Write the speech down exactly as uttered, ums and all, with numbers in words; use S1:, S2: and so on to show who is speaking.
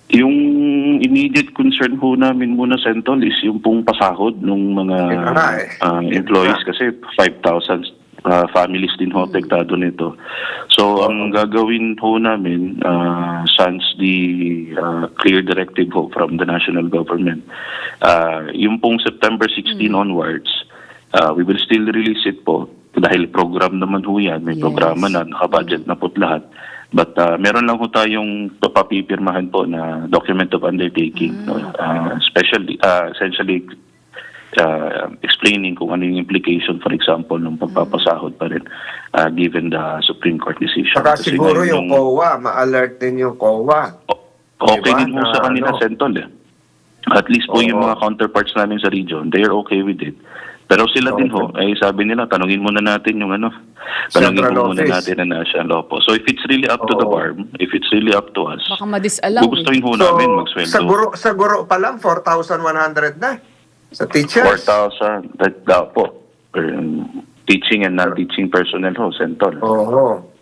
S1: Yung immediate concern ho namin muna, Sentol, is yung pong pasahod ng mga
S2: Yun na nga eh.
S1: uh,
S2: Yun
S1: employees
S2: na.
S1: kasi five thousand uh, families din ho apektado nito. So, ang gagawin ho namin, uh, sans the uh, clear directive ho from the national government, uh, yung pong September sixteenth onwards, uh, we will still release it po dahil program naman ho yan, may
S3: Yes.
S1: programa na, nakabudget na po't lahat. But uh, meron lang ho tayong papipirmahan po na document of undertaking, no? uh, especially, uh, essentially uh, explaining kung ano yung implication, for example, ng pagpapasahod pa rin uh, given the Supreme Court decision.
S2: Saka
S1: Kasi
S2: siguro
S1: ngayon
S2: yung C O A, ma-alert din yung C O A.
S1: O- Okay
S2: Diba?
S1: din ho sa
S2: Na
S1: kanila,
S2: ano?
S1: Sentol. Eh. At least po yung
S2: Oo.
S1: mga counterparts namin sa region, they're okay with it. Pero sila din ho,
S2: Okay.
S1: ay sabi nila, tanungin muna natin yung ano, tanungin
S2: Central
S1: mo muna
S2: office.
S1: natin na national law po. So if it's really up to the
S2: Oo.
S1: farm, if it's really up to us,
S3: Baka madisalaw
S1: gugustuhin ho
S2: So,
S1: namin
S2: sa
S1: magsweldo.
S2: guro, sa guro pa lang, four thousand one hundred na. Sa
S1: four
S2: teachers.
S1: thousand, that daw po. Um, teaching and non-teaching personnel ho, Sentol.
S2: Oo.